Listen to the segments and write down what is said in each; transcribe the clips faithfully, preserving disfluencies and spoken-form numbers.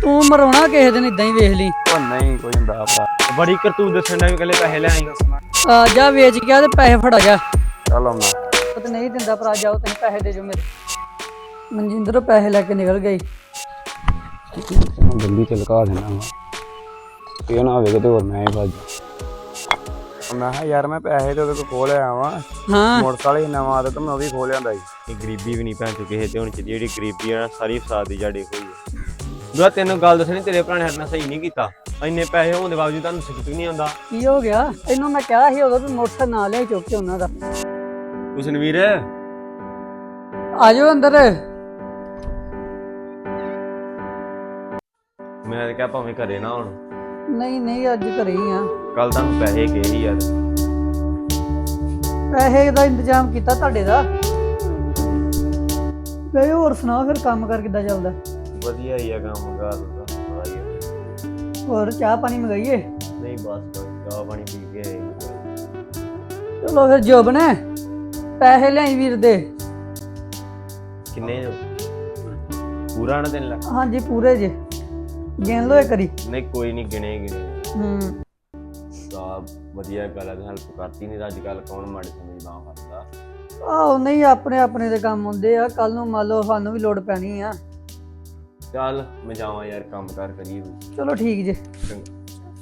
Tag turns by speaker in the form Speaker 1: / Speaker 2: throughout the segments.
Speaker 1: ਤੂੰ ਮਰਾਉਣਾ ਕਿਸੇ ਦਿਨ ਇਦਾਂ ਹੀ ਵੇਖ ਲਈ।
Speaker 2: ਉਹ ਨਹੀਂ ਕੋਈ ਹੁੰਦਾ ਭਰਾ, ਬੜੀ ਕਰਤੂਤ ਦੱਸਣ ਦਾ ਵੀ ਕੱਲੇ ਪੈਸੇ ਲੈ ਆਈ।
Speaker 1: ਆ ਜਾ ਵੇਚ ਗਿਆ ਤੇ ਪੈਸੇ ਫੜਾ ਜਾ।
Speaker 2: ਚੱਲ ਆਉਣਾ।
Speaker 1: ਉਹ ਤੇ ਨਹੀਂ ਦਿੰਦਾ ਭਰਾ, ਜਾਓ ਤੁਸੀਂ ਪੈਸੇ ਦੇ ਜੋ ਮੇਰੇ। ਮਨਜਿੰਦਰ ਪੈਸੇ ਲੈ ਕੇ ਨਿਕਲ ਗਈ।
Speaker 2: ਗੱਡੀ ਚ ਲਗਾ ਦੇਣਾ ਵਾ, ਇਹ ਨਾ ਹੋਵੇ ਕਿਤੇ ਹੋਰ ਮੈਂ ਹੀ ਭੱਜ। ਮੈਂ ਕਿਹਾ ਯਾਰ ਮੈਂ ਪੈਸੇ ਤੇ ਉਹਦੇ ਕੋਲ ਖੋਹ ਲਿਆ ਵਾ।
Speaker 1: ਹਾਂ
Speaker 2: ਮੋਟਰਸਾਈਕਲ ਹੀ ਨਵਾਂ ਤੇ ਮੈਂ ਉਹ ਵੀ ਖੋਹ ਲਿਆਂਦਾ ਸੀ।
Speaker 3: ਇਹ ਗਰੀਬੀ ਵੀ ਨਹੀਂ ਭੈਣ ਚੋ ਕਿਸੇ ਤੇ ਹੋਣੀ ਚਾਹੀਦੀ। ਜਿਹੜੀ ਗਰੀਬੀ ਆ ਨਾ ਸਾਰੀ ਫਸਾਦ ਦੀ ਜੜ ਇਹੋ ਹੀ ਹੈ। ਦੁਆ ਤੈਨੂੰ ਗੱਲ ਦੱਸਣੀ, ਤੇਰੇ ਭਰਾ ਨੇ ਸਾਡੇ ਨਾਲ ਸਹੀ ਨਹੀਂ ਕੀਤਾ। ਇੰਨੇ ਪੈਸੇ ਹੋਣ ਦੇ ਬਾਵਜੂਦ ਤੁਹਾਨੂੰ ਸਿੱਖ ਨਹੀਂ ਆਉਂਦਾ।
Speaker 1: ਕੀ ਹੋ ਗਿਆ? ਇਹਨੂੰ ਮੈਂ ਕਿਹਾ ਸੀ ਉਦੋਂ ਵੀ ਮੋਟਰਸਾਈਕਲ ਨਾ ਲਿਆ ਚੁੱਕ ਕੇ ਉਹਨਾਂ ਦਾ।
Speaker 3: ਹੁਸਨਵੀਰ
Speaker 1: ਆ ਜਾਓ ਅੰਦਰ।
Speaker 3: ਮੈਂ ਤਾਂ ਕਿਹਾ ਭਾਵੇਂ ਘਰੇ ਨਾ ਹੁਣ।
Speaker 1: ਨਹੀਂ ਨਹੀਂ ਅੱਜ ਘਰੇ ਹੀ ਆ।
Speaker 3: ਕੱਲ ਤੁਹਾਨੂੰ ਪੈਸੇ ਗਏ ਸੀ ਯਾਰ।
Speaker 1: ਪੈਸੇ ਦਾ ਇੰਤਜ਼ਾਮ ਕੀਤਾ ਤੁਹਾਡੇ ਦਾ। ਗਏ ਹੋਰ ਸੁਣਾ ਫਿਰ ਕੰਮ ਕਰ ਕਿੱਦਾਂ ਚੱਲਦਾ?
Speaker 3: ਵਧੀਆ ਹੀ ਆ ਕੰਮ ਕਾਰ ਦਾ।
Speaker 1: ਹੋਰ ਚਾਹ ਪਾਣੀ ਮੰਗਾਈਏ?
Speaker 3: ਨਹੀਂ ਬਸ ਬਸ ਚਾਹ ਪਾਣੀ ਪੀ ਕੇ ਆਏ।
Speaker 1: ਚਲੋ ਫਿਰ ਜੋਬ ਨੇ ਪੈਸੇ ਲਿਆਈ ਵੀਰ ਦੇ।
Speaker 3: ਕਿੰਨੇ ਜੋ ਪੂਰਾ ਨਾ ਤਿੰਨ ਲੱਖ?
Speaker 1: ਹਾਂਜੀ ਪੂਰੇ ਜੇ, ਗਿਣ ਲਓ ਇੱਕ ਵਾਰੀ।
Speaker 3: ਨਹੀਂ ਕੋਈ ਨਹੀਂ ਗਿਣੇ ਗਿਣੇ।
Speaker 1: ਹੂੰ
Speaker 3: ਤਾਂ ਵਧੀਆ ਗੱਲ ਹੈ, ਹੈਲਪ ਕਰਤੀ। ਨਹੀਂ ਤਾਂ ਅੱਜ ਕੱਲ ਕੌਣ ਮਾੜੇ ਸਮਝ ਨਾ ਕਰਦਾ।
Speaker 1: ਆਹੋ ਨਹੀਂ ਆਪਣੇ ਆਪਣੇ ਦੇ ਕੰਮ ਹੁੰਦੇ ਆ, ਕੱਲ ਨੂੰ ਮੰਨ ਲਓ ਸਾਨੂੰ ਵੀ ਲੋੜ ਪੈਣੀ ਆ।
Speaker 3: ਚੱਲ ਮੈਂ ਜਾਵਾਂ ਯਾਰ, ਕੰਮ ਕਾਰ ਕਰੀਏ।
Speaker 1: ਚਲੋ ਠੀਕ ਜੇ।
Speaker 3: ਚੰਗਾ।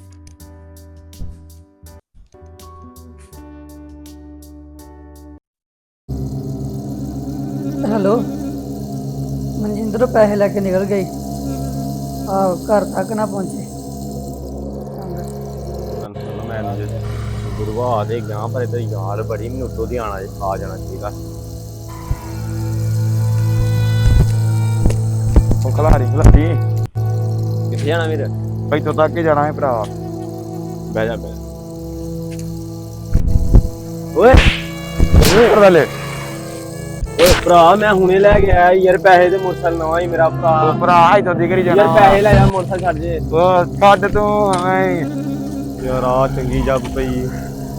Speaker 1: ਹੈਲੋ ਮਨਜਿੰਦਰ ਪੈਸੇ ਲੈ ਕੇ ਨਿਕਲ ਗਈ। ਆਹੋ ਘਰ ਤੱਕ ਨਾ ਪਹੁੰਚੇ।
Speaker 3: ਮੈਂ ਗੁਰੂਆ ਦੇ ਗਿਆ ਪਰ ਇਧਰ ਯਾਰ ਬੜੀ ਮੈਨੂੰ ਉੱਤੋਂ ਦੀ ਆਣਾ ਆ ਜਾਣਾ ਚਾਹੀਦਾ।
Speaker 2: ਉਹ ਖਲਾਰੀ ਖਲਾਰੀ
Speaker 3: ਕਿੱਥੇ ਜਾਣਾ ਵੀਰ?
Speaker 2: ਇੱਥੋਂ ਤੱਕ ਹੀ ਜਾਣਾ ਹੈ ਭਰਾ।
Speaker 3: ਬਹਿ ਜਾ ਬਹਿ ਜਾ। ਓਏ
Speaker 2: ਓਏ ਲੈ
Speaker 3: ਓਏ ਭਰਾ ਮੈਂ ਹੁਣੇ ਲੈ ਕੇ ਆਇਆ ਯਾਰ ਪੈਸੇ ਤੇ ਮੋਟਰਸਾਈਕਲ ਨਵਾਂ ਹੀ ਮੇਰਾ ਭਰਾ।
Speaker 2: ਭਰਾ ਇੱਥੋਂ ਦੀ ਕਰੀ ਜਾਣਾ
Speaker 3: ਯਾਰ ਪੈਸੇ ਲੈ ਜਾ, ਮੋਟਰਸਾਈਕਲ ਛੱਡ ਜੇ।
Speaker 2: ਉਹ ਛੱਡ ਤੂੰ ਐਂ
Speaker 3: ਯਾਰ ਆ ਚੰਗੀ ਜੱਬ ਪਈ।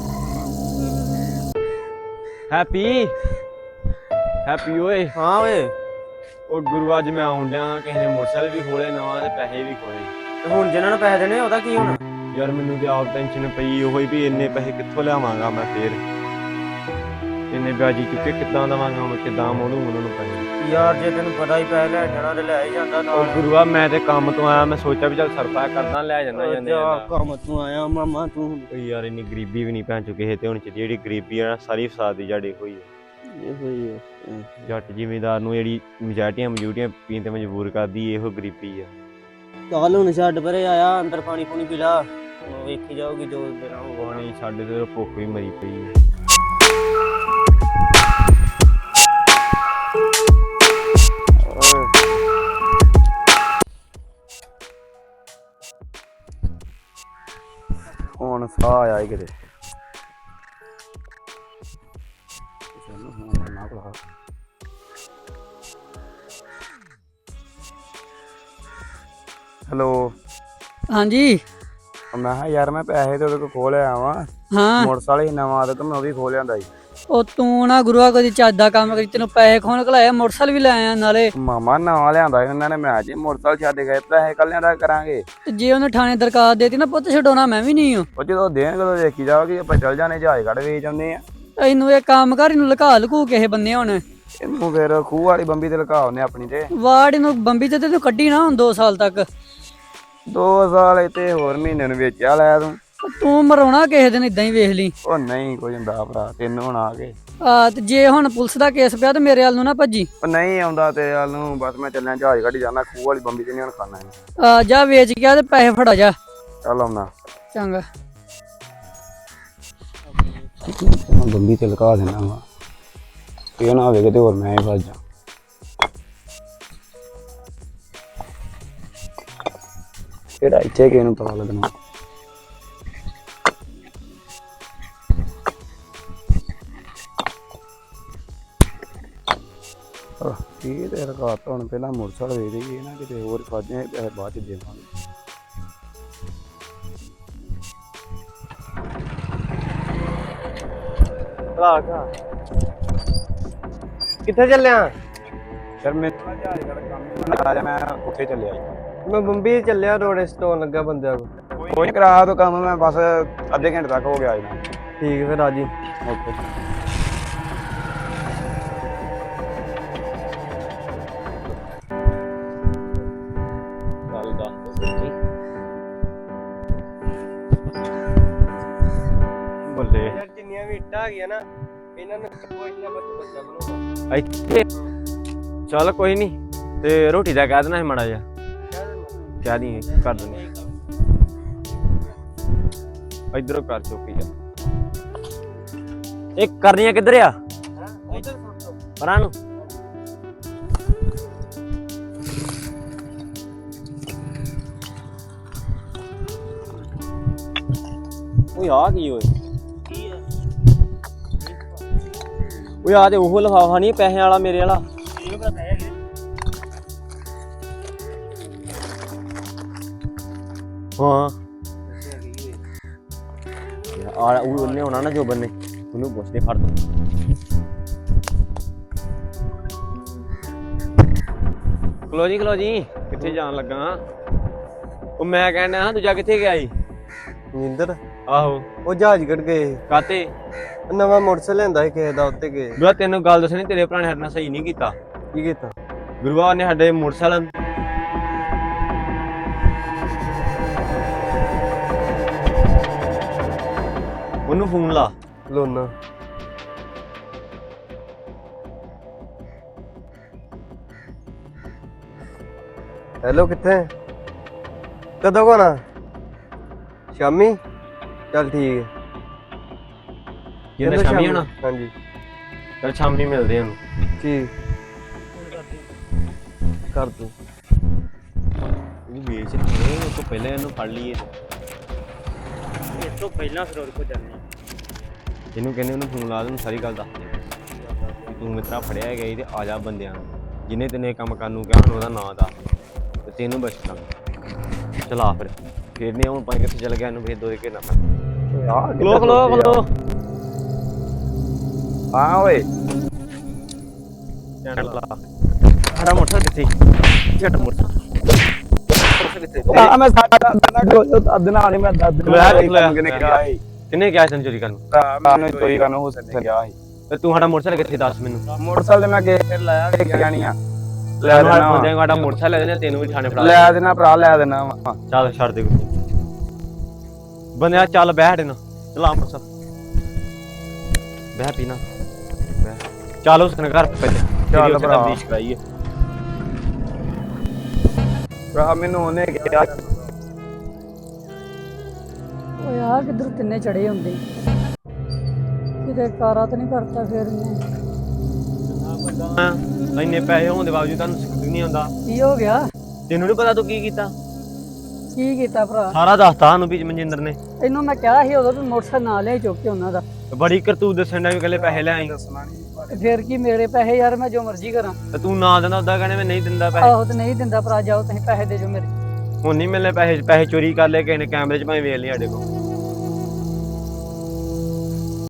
Speaker 3: ਹੈਪੀ ਹੈਪੀ ਓਏ।
Speaker 2: ਹਾਂ ਓਏ।
Speaker 3: ਉਹ ਗੁਰੂ ਅੱਜ ਮੈਂ ਆਉਣ ਡਿਆ, ਕਿਸੇ ਨੇ ਮੋਟਰਸਾਈਕਲ ਵੀ ਖੋਲੇ ਨਵਾਂ ਤੇ ਪੈਸੇ ਵੀ ਖੋਲੇ।
Speaker 2: ਤੇ ਹੁਣ ਜਿਹਨਾਂ ਨੂੰ ਪੈਸੇ ਦੇਣੇ ਉਹਦਾ ਕੀ ਹੋਣਾ?
Speaker 3: ਯਾਰ ਮੈਨੂੰ ਤੇ ਆਪ ਟੈਨਸ਼ਨ ਪਈ ਉਹੀ ਵੀ ਇੰਨੇ ਪੈਸੇ ਕਿੱਥੋਂ ਲਿਆਵਾਂਗਾ ਮੈਂ ਫੇਰ। ਇੰਨੇ ਵਿਆਜੀ ਚੁੱਕੇ ਕਿੱਦਾਂ ਦਵਾਂਗਾ ਮੈਂ, ਕਿੱਦਾਂ ਮੋੜੂ ਉਹਨਾਂ ਨੂੰ ਪੈਸੇ?
Speaker 2: ਯਾਰ ਜੇ ਤੈਨੂੰ ਪਤਾ ਹੀ ਪੈਸੇ ਲੈ ਜਾਣਾ ਤੇ ਲੈ ਹੀ ਜਾਂਦਾ ਨਾਲ।
Speaker 3: ਉਹ ਗੁਰੂਆ ਮੈਂ ਤੇ ਕੰਮ ਤੋਂ ਆਇਆ, ਮੈਂ ਸੋਚਿਆ ਵੀ ਚੱਲ ਸਰਪਾ ਕਰਦਾ ਲੈ ਜਾਂਦਾ ਜਾਂਦੇ
Speaker 2: ਕੰਮ ਤੋਂ ਆਇਆ ਮਾਮਾ ਤੂੰ।
Speaker 3: ਯਾਰ ਇੰਨੀ ਗਰੀਬੀ ਵੀ ਨਹੀਂ ਭੈਣ ਚੋ ਕਿਸੇ ਤੇ ਹੋਣੀ ਚਾਹੀਦੀ। ਜਿਹੜੀ ਗਰੀਬੀ ਆ ਨਾ ਸਾਰੀ ਫਸਾਦ ਦੀ ਜੜ ਇਹੋ ਹੀ ਹੈ।
Speaker 2: ਇਹੋ ਹੀ ਹੈ।
Speaker 3: ਜੱਟ ਜ਼ਿਮੀਂਦਾਰ ਨੂੰ ਜਿਹੜੀ ਮਜਾਟੀਆਂ ਮਜੂਟੀਆਂ ਪੀਣ ਤੇ ਮਜਬੂਰ ਕਰਦੀ ਇਹੋ ਗਰੀਬੀ ਆ।
Speaker 2: ਚੱਲ ਹੁਣ ਛੱਡ ਪਰੇ, ਆਇਆ ਅੰਦਰ ਪਾਣੀ ਪੂਣੀ ਪੀ ਲਾ, ਵੇਖੀ ਜਾਊਗੀ ਜੋ ਤੇਰਾ ਹੋਊਗਾ।
Speaker 3: ਪਾਣੀ ਸਾਡੇ ਤੇ ਭੁੱਖ ਵੀ ਮਰੀ ਪਈ ਹੈ।
Speaker 2: ਹੁਣ ਸਾਹ ਆਇਆ ਕਿਤੇ। ਹੈਲੋ
Speaker 1: ਹਾਂਜੀ
Speaker 2: ਮੈਂ ਕਿਹਾ ਯਾਰ ਮੈਂ ਪੈਸੇ ਤੇ ਉਹਦੇ ਕੋਲ ਖੋਹ ਲਿਆ ਵਾ।
Speaker 1: ਹਾਂ
Speaker 2: ਮੋਟਰਸਾਈਕਲ ਹੀ ਨਵਾਂ ਤੇ ਮੈਂ ਉਹ ਵੀ ਖੋਹ ਲਿਆਂਦਾ ਸੀ।
Speaker 1: ਉਹ ਤੂੰ ਨਾ ਗੁਰੂਆ ਕਦੀ ਚੱਜ ਦਾ ਕੰਮ ਕਰੀ, ਤੈਨੂੰ ਪੈਸੇ ਖੋਣ ਘਲਾਇਆ, ਮੋਟਰਸਾਈਕਲ ਵੀ ਲੈ ਆਇਆ ਨਾਲੇ।
Speaker 2: ਮਾਮਾ ਨਵਾਂ ਲਿਆਂਦਾ ਸੀ ਉਹਨਾਂ ਨੇ। ਮੈਂ ਜੀ ਮੋਟਰਸਾਈਕਲ ਛੱਡ ਗਏ, ਪੈਸੇ ਕੱਲਿਆਂ ਦਾ ਕਰਾਂਗੇ।
Speaker 1: ਤੇ ਜੇ ਉਹਨੇ ਥਾਣੇ ਦਰਖਾਸਤ ਦੇਤੀ ਨਾ ਪੁੱਤ ਛਡਾਉਣਾ ਮੈਂ ਵੀ ਨਹੀਂ ਹਾਂ।
Speaker 2: ਉਹ ਜਦੋਂ ਦੇਣਗੇ ਉਦੋਂ ਦੇਖੀ ਜਾਓਗੇ। ਆਪਾਂ ਚੱਲ ਜਾਣੇ ਜਹਾਜ਼ ਕੱਢ ਵੇਚ ਆਉਂਦੇ ਆ।
Speaker 1: ਇਹਨੂੰ ਇਹ ਕੰਮ ਕਰ, ਇਹਨੂੰ ਲੁਕਾ ਲੁਕੂ ਕਿਸੇ ਬੰਨੇ ਹੁਣ।
Speaker 2: ਇਹਨੂੰ ਫਿਰ ਖੂਹ ਵਾਲੀ ਬੰਬੀ ਤੇ ਲਗਾ ਉਹਨੇ ਆਪਣੀ ਤੇ।
Speaker 1: ਵਾਰਡ ਇਹਨੂੰ ਬੰਬੀ ਤੇ ਤੂੰ ਕੱਢੀ ਨਾ ਹੁਣ ਦੋ ਸਾਲ ਤੱਕ।
Speaker 2: ਦੋ ਸਾਲ ਇੱਥੇ ਹੋਰ ਮਹੀਨੇ ਨੂੰ ਵੇਚਿਆ ਲੈ ਤੂੰ।
Speaker 1: ਤੂੰ ਮਰਾਉਣਾ ਕਿਸੇ ਦਿਨ ਇਦਾਂ ਹੀ ਵੇਖ ਲਈ।
Speaker 2: ਉਹ ਨਹੀਂ ਕੋਈ ਹੁੰਦਾ ਭਰਾ, ਤੈਨੂੰ ਹੁਣ ਆ ਗਏ।
Speaker 1: ਆ ਤੇ ਜੇ ਹੁਣ ਪੁਲਿਸ ਦਾ ਕੇਸ ਪਿਆ ਤੇ ਮੇਰੇ ਵੱਲ ਨੂੰ ਨਾ ਭੱਜੀ।
Speaker 2: ਉਹ ਨਹੀਂ ਆਉਂਦਾ ਤੇ ਵੱਲ ਨੂੰ, ਬਸ ਮੈਂ ਚੱਲਿਆ ਜਹਾਜ਼ ਕੱਢੀ ਜਾਣਾ। ਖੂਹ ਵਾਲੀ ਬੰਬੀ ਤੇ ਨਹੀਂ ਹੁਣ ਖਾਣਾ ਹੈ।
Speaker 1: ਆ ਜਾ ਵੇਚ ਗਿਆ ਤੇ ਪੈਸੇ ਫੜਾ ਜਾ।
Speaker 2: ਚੱਲ ਆਉਣਾ
Speaker 1: ਚੰਗਾ।
Speaker 2: ਬੰਬੀ ਤੇ ਲਗਾ ਦੇਣਾ ਵਾ, ਇਹ ਨਾ ਹੋਵੇ ਕਿਤੇ ਹੋਰ ਮੈਂ ਹੀ ਭੱਜ ਜਾ। ਕਿਹੜਾ ਇੱਥੇ ਕਿਸੇ ਨੂੰ ਪਤਾ ਲੱਗਣਾ। ਇਹ ਤੇ ਰਕਾਤ ਹੁਣ ਪਹਿਲਾਂ ਮੋਟਰਸਾਈਕਲ ਵੇਚ ਦੇਈਏ ਨਾ, ਕਿਤੇ ਹੋਰ ਫਸ ਜਾਏ ਪੈਸੇ ਬਾਅਦ ਚ ਦੇਵਾਂਗੇ।
Speaker 3: ਕਿੱਥੇ ਚੱਲਿਆ?
Speaker 2: ਸਰ ਮੈਂ ਜਹਾਜ਼ ਦਾ ਕੰਮ ਆ ਰਿਹਾ, ਮੈਂ ਉੱਥੇ ਚੱਲਿਆ ਜੀ।
Speaker 4: ਮੈਂ ਬੰਬੀ ਚੱਲਿਆ ਰੋੜੇ ਸਟੋਨ ਲੱਗਾ ਬੰਦਿਆਂ ਕੋਲ।
Speaker 2: ਕੋਈ ਨੀ, ਕਰਾ ਤੋ ਕੰਮ, ਮੈਂ ਬਸ ਅੱਧੇ ਘੰਟੇ ਤੱਕ ਹੋ ਗਿਆ ਜੀ।
Speaker 4: ਠੀਕ ਫਿਰ ਆ ਜੀ।
Speaker 2: ਓਕੇ।
Speaker 3: ਗੱਲ ਦੱਸ ਸੱਚੀ ਬੱਲੇ
Speaker 4: ਯਾਰ ਜਿੰਨੀਆਂ ਵੀ ਇੱਟਾਂ ਆ ਗਈਆਂ ਨਾ ਇਹਨਾਂ ਨੂੰ ਕੋਈ ਨਾ ਬੱਚਾ ਬੱਚਾ ਬਣਾਉਣਾ।
Speaker 3: ਇੱਥੇ ਚੱਲ ਕੋਈ ਨਹੀਂ, ਤੇ ਰੋਟੀ ਦਾ ਕਹਿ ਦੇਣਾ ਸੀ ਮਾੜਾ ਜਿਹਾ, ਕਹਿ ਦੀ ਕਰ ਦਿੰਦੇ ਇਧਰੋਂ ਕਰ ਚੁੱਕੀ ਆ। ਇਹ ਕਰਨੀਆਂ ਕਿੱਧਰ ਆ? ਪਰਾਂ ਨੂੰ। ਓਏ ਆ ਕੀ ਓਏ? ਓਏ ਆ ਤੇ ਉਹ ਲਿਫਾਫਾ ਨਹੀਂ ਪੈਸੇ ਵਾਲਾ ਮੇਰੇ ਵਾਲਾ। ਹਾਂ ਆ ਉਹ ਉਹਨੇ ਹੋਣਾ ਨਾ ਜੋਬਨ ਨੇ, ਉਹਨੂੰ ਪੁੱਛਦੇ ਫੜ ਦੋ। ਖਲੋ ਜੀ ਖਲੋ ਜੀ, ਕਿੱਥੇ ਜਾਣ ਲੱਗਾ? ਉਹ ਮੈਂ ਕਹਿੰਦਾ ਹਾਂ ਦੂਜਾ ਕਿੱਥੇ ਗਿਆ ਸੀ?
Speaker 4: ਨਿੰਦਰ
Speaker 3: ਆਹੋ
Speaker 4: ਉਹ ਜਹਾਜ਼ ਕੱਢ ਗਏ।
Speaker 3: ਕਾਤੇ?
Speaker 4: ਨਵਾਂ ਮੋਟਰਸਾਈਕਲ ਲੈਂਦਾ ਸੀ ਕਿਸੇ ਦਾ, ਉੱਤੇ ਗਏ।
Speaker 3: ਗੁਰੂਆ ਤੈਨੂੰ ਗੱਲ ਦੱਸਣੀ, ਤੇਰੇ ਭਰਾ ਨੇ ਸਾਡੇ ਨਾਲ ਸਹੀ ਨਹੀਂ ਕੀਤਾ।
Speaker 4: ਕੀ ਕੀਤਾ?
Speaker 3: ਗੁਰੂਆ ਨੇ ਸਾਡੇ ਮੋਟਰਸਾਈਕਲ ਉਹਨੂੰ ਫੋਨ ਲਾ।
Speaker 4: ਲੋਨਾ ਹੈਲੋ, ਕਿੱਥੇ? ਕਦੋਂ ਕੋਣਾ? ਸ਼ਾਮੀ? ਚੱਲ ਠੀਕ ਹੈ।
Speaker 3: ਕਹਿੰਦਾ
Speaker 4: ਕਹਿੰਦਾ
Speaker 3: ਸ਼ਾਮੀ ਹੋਣਾ?
Speaker 4: ਹਾਂਜੀ
Speaker 3: ਚੱਲ ਸ਼ਾਮੀ ਮਿਲਦੇ ਹਾਂ।
Speaker 4: ਠੀਕ ਕਰ ਦੂੰ।
Speaker 3: ਉਹ ਵੇਚ ਰਹੇ ਉਹ ਤੋਂ ਪਹਿਲਾਂ ਇਹਨੂੰ ਫੜ ਲਈਏ।
Speaker 5: ਇਸ ਤੋਂ ਪਹਿਲਾਂ ਫਿਰ ਉਹਦੇ ਕੋਲ ਜਾਂਦੇ ਹਾਂ।
Speaker 3: ਇਹਨੂੰ ਕਹਿੰਦੇ ਉਹਨੂੰ ਫੋਨ ਲਾ ਦੇ, ਉਹਨੂੰ ਸਾਰੀ ਗੱਲ ਦੱਸ ਦੇ ਤੂੰ ਮਿੱਤਰਾ ਫੜਿਆ ਹੈਗਾ ਤੇ ਆ ਜਾ ਬੰਦਿਆਂ ਨੂੰ, ਜਿਹਨੇ ਤੈਨੂੰ ਇਹ ਕੰਮ ਕਰਨ ਨੂੰ ਕਿਹਾ ਉਹਦਾ ਨਾਂ ਦੱਸ ਤੇ ਤੈਨੂੰ ਬਚਣਾ। ਚਲਾ ਫਿਰ ਫੇਰ ਨਹੀਂ ਹੁਣ ਪਾਣੀ ਕਿੱਥੇ ਚਲ ਗਿਆ, ਇਹਨੂੰ ਫੇਰ ਦੋ ਦੇ ਘੇਰਨਾ ਪੈਣਾ। ਖਲੋ ਖਲੋ ਖਲੋ।
Speaker 2: ਹਾਂ ਓਏ,
Speaker 3: ਸਾਡਾ ਮੋਟਰਸਾਈਕਲ ਕਿੱਥੇ? ਝਟ ਮੋਟਰਸਾਈਕਲ ਕਿੱਥੇ?
Speaker 2: ਆ ਮੈਂ ਸਾਡਾ ਦਨਾ ਕਰੋ ਅੱਧ ਨਾਲ ਨਹੀਂ, ਮੈਂ ਦੱਦ ਕਿਨੇ ਕਿਹਾ ਸੀ।
Speaker 3: ਕਿੰਨੇ ਕਿਹਾ ਤੈਨੂੰ ਚੋਰੀ ਕਰਨ?
Speaker 2: ਮੈਨੂੰ ਚੋਰੀ ਕਰਨ ਹੋ ਸਕਦਾ ਗਿਆ ਸੀ।
Speaker 3: ਤੇ ਤੂੰ ਸਾਡਾ ਮੋਟਰਸਾਈਕਲ ਕਿੱਥੇ ਦੱਸ ਮੈਨੂੰ।
Speaker 2: ਮੋਟਰਸਾਈਕਲ ਤੇ ਮੈਂ ਗਏ ਫਿਰ ਲਾਇਆ ਕਿ ਜਾਣੀ ਆ। ਲੈ
Speaker 3: ਤੈਨੂੰ
Speaker 2: ਦੇਣਾ
Speaker 3: ਬੰਦਿਆਂ ਨੂੰ ਸਾਡਾ ਮੋਟਰਸਾਈਕਲ ਲੈ ਦੇਣਾ, ਤੈਨੂੰ ਵੀ ਥਾਣੇ ਫੜਾ
Speaker 2: ਲੈ ਦੇਣਾ ਭਰਾ, ਲੈ ਦੇਣਾ ਵਾ।
Speaker 3: ਚੱਲ ਛੱਡ ਦੇ ਕੋਈ ਬੰਦਿਆ, ਚੱਲ ਬਹਿ ਸਾਡੇ ਨਾਲ, ਚਲਾ ਮੋਟਰਸਾਈਕਲ ਬਹਿ ਪੀਣਾ ਬਹਿ। ਚੱਲ ਉਸ ਘਰ ਪਹਿਲੇ
Speaker 2: ਚੱਲ ਭਰਾ।
Speaker 3: ਤਬਦੀਸ਼ ਕਰਾਈਏ।
Speaker 2: ਭਰਾ ਮੈਨੂੰ ਉਹਨੇ ਕਿਹਾ
Speaker 1: ਓਏ ਆ ਕਿੱਧਰ ਤਿੰਨੇ ਚੜੇ ਹੁੰਦੇ, ਕਿਤੇ ਕਾਰਾ ਤਾਂ ਨਹੀਂ ਕਰਤਾ ਫਿਰ ਇਹਨੇ?
Speaker 3: ਇੰਨੇ ਪੈਸੇ ਹੋਣ ਦੇ ਬਾਵਜੂਦ ਤੁਹਾਨੂੰ ਸਿੱਖ ਨਹੀਂ ਆਉਂਦਾ।
Speaker 1: ਕੀ ਹੋ ਗਿਆ?
Speaker 3: ਤੈਨੂੰ ਨਹੀਂ ਪਤਾ ਤੂੰ ਕੀ ਕੀਤਾ?
Speaker 1: ਕੀ ਕੀਤਾ ਭਰਾ?
Speaker 3: ਸਾਰਾ ਦੱਸਤਾ ਸਾਨੂੰ ਵੀ ਮਨਜਿੰਦਰ ਨੇ।
Speaker 1: ਇਹਨੂੰ ਮੈਂ ਕਿਹਾ ਸੀ ਉਦੋਂ ਵੀ ਮੋਟਰਸਾਈਕਲ ਨਾ ਲਿਆ ਚੁੱਕ ਕੇ ਉਹਨਾਂ ਦਾ।
Speaker 3: ਬੜੀ ਕਰਤੂਤ ਦੱਸਣ ਦਾ ਵੀ ਕੱਲੇ ਪੈਸੇ ਲੈ ਆਈ।
Speaker 1: ਤੇ ਫਿਰ ਕੀ ਮੇਰੇ ਪੈਸੇ ਯਾਰ, ਮੈਂ ਜੋ ਮਰਜ਼ੀ ਕਰਾਂ।
Speaker 3: ਤੇ ਤੂੰ ਨਾ ਦਿੰਦਾ ਉਦਾਂ ਕਹਿੰਦੇ ਮੈਂ ਨਹੀਂ ਦਿੰਦਾ ਪੈਸੇ।
Speaker 1: ਆਹੋ ਤੇ ਨਹੀਂ ਦਿੰਦਾ ਭਰਾ, ਜਾਓ ਤੁਸੀਂ ਪੈਸੇ ਦੇ ਜੋ ਮੇਰੇ।
Speaker 3: ਹੁਣ ਨਹੀਂ ਮਿਲਨੇ ਪੈਸੇ, ਪੈਸੇ ਚੋਰੀ ਕਰ ਲਏ ਕਿਸੇ ਨੇ, ਕੈਮਰੇ 'ਚ ਭਾਵੇਂ ਵੇਖ ਲਈ ਸਾਡੇ ਕੋਲ।